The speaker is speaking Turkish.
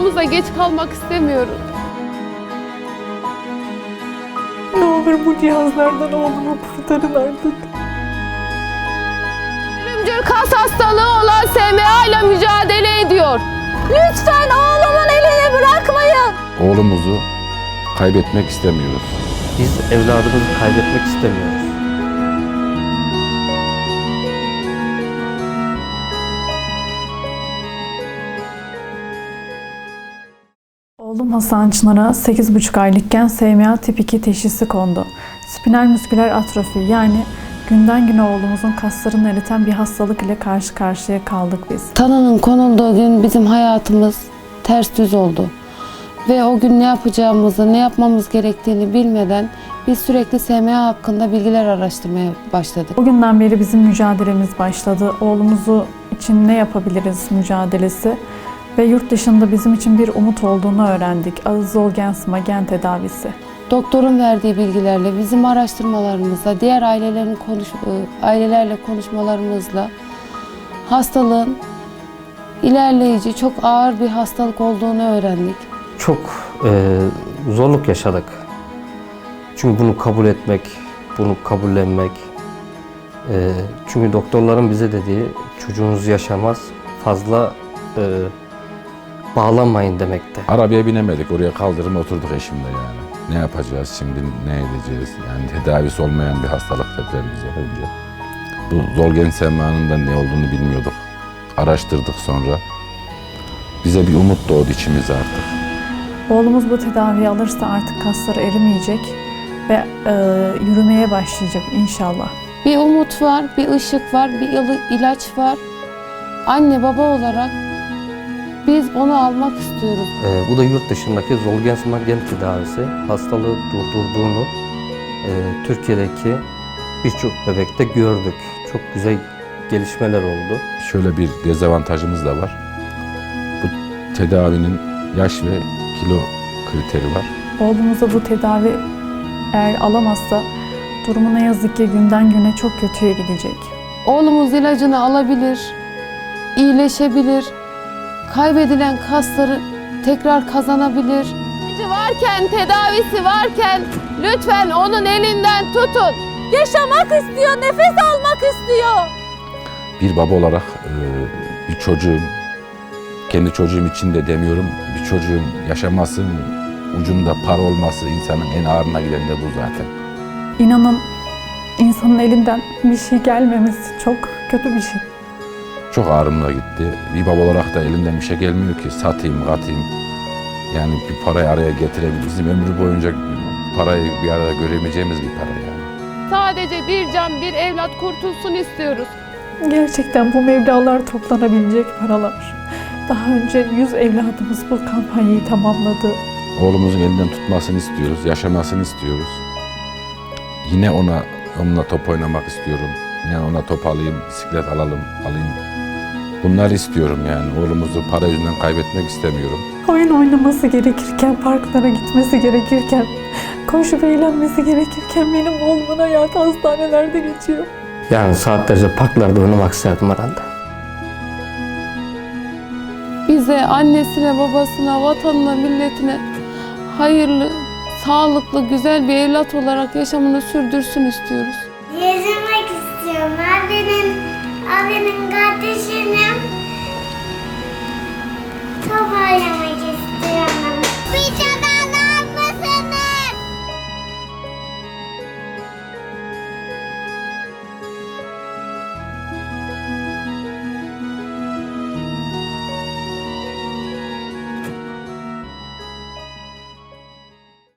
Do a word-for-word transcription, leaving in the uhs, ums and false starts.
okulumuza geç kalmak istemiyoruz. Ne olur bu cihazlardan oğlumu kurtarın artık. Ölümcül kas hastalığı olan S M A ile mücadele ediyor. Lütfen oğlumun elini bırakmayın. Oğlumuzu kaybetmek istemiyoruz. Biz evladımızı kaybetmek istemiyoruz. Oğlum Hasan Çınar'a sekiz buçuk aylıkken S M A tip iki teşhisi kondu. Spinal musküler atrofi, yani günden güne oğlumuzun kaslarını eriten bir hastalık ile karşı karşıya kaldık biz. Tanının konulduğu gün bizim hayatımız ters düz oldu. Ve o gün ne yapacağımızı, ne yapmamız gerektiğini bilmeden biz sürekli S M A hakkında bilgiler araştırmaya başladık. O günden beri bizim mücadelemiz başladı. Oğlumuzu için ne yapabiliriz mücadelesi ve yurt dışında bizim için bir umut olduğunu öğrendik. Zolgensma gen tedavisi. Doktorun verdiği bilgilerle, bizim araştırmalarımızla, diğer ailelerin konuş, ailelerle konuşmalarımızla hastalığın ilerleyici, çok ağır bir hastalık olduğunu öğrendik. Çok e, zorluk yaşadık. Çünkü bunu kabul etmek, bunu kabullenmek. E, çünkü doktorların bize dediği çocuğunuz yaşamaz, fazla e, bağlanmayın demekte. Arabaya binemedik, oraya kaldırıma oturduk eşimle yani. Ne yapacağız şimdi, ne edeceğiz? Yani tedavisi olmayan bir hastalık dediler bize önce. Bu Zolgensma'nın da ne olduğunu bilmiyorduk. Araştırdık sonra. Bize bir umut doğdu içimize artık. Oğlumuz bu tedaviyi alırsa artık kasları erimeyecek ve e, yürümeye başlayacak inşallah. Bir umut var, bir ışık var, bir il- ilaç var. Anne baba olarak biz onu almak istiyoruz. E, bu da yurt dışındaki Zolgensma gen tedavisi hastalığı durdurduğunu e, Türkiye'deki birçok bebekte gördük. Çok güzel gelişmeler oldu. Şöyle bir dezavantajımız da var. Bu tedavinin yaş ve kilo kriteri var. Oğlumuza bu tedavi eğer alamazsa durumu ne yazık ki günden güne çok kötüye gidecek. Oğlumuz ilacını alabilir, iyileşebilir, kaybedilen kasları tekrar kazanabilir. İlacı varken, tedavisi varken lütfen onun elinden tutun. Yaşamak istiyor, nefes almak istiyor. Bir baba olarak e, bir çocuğum, kendi çocuğum için de demiyorum, bir çocuğun yaşaması, ucunda para olması insanın en ağırına giden de bu zaten. İnanın insanın elinden bir şey gelmemesi çok kötü bir şey. Çok ağrımla gitti. Bir baba olarak da elimden bir şey gelmiyor ki satayım, katayım. Yani bir parayı araya getirebilir. Bizim ömrü boyunca parayı bir arada göremeyeceğimiz bir para yani. Sadece bir can, bir evlat kurtulsun istiyoruz. Gerçekten bu meblağlar toplanabilecek paralar. Daha önce yüz evladımız bu kampanyayı tamamladı. Oğlumuzun elinden tutmasını istiyoruz, yaşamasını istiyoruz. Yine ona onunla top oynamak istiyorum. Yine ona top alayım, bisiklet alalım, alayım. Bunları istiyorum yani. Oğlumuzu para yüzünden kaybetmek istemiyorum. Oyun oynaması gerekirken, parklara gitmesi gerekirken, koşup eğlenmesi gerekirken benim oğlumun hayatı hastanelerde geçiyor. Yani saatlerce parklarda oynamak isterdim herhalde. Bize, annesine, babasına, vatanına, milletine hayırlı, sağlıklı, güzel bir evlat olarak yaşamını sürdürsün istiyoruz. Yaşamak istiyorum. Abinin, abinin kardeşinin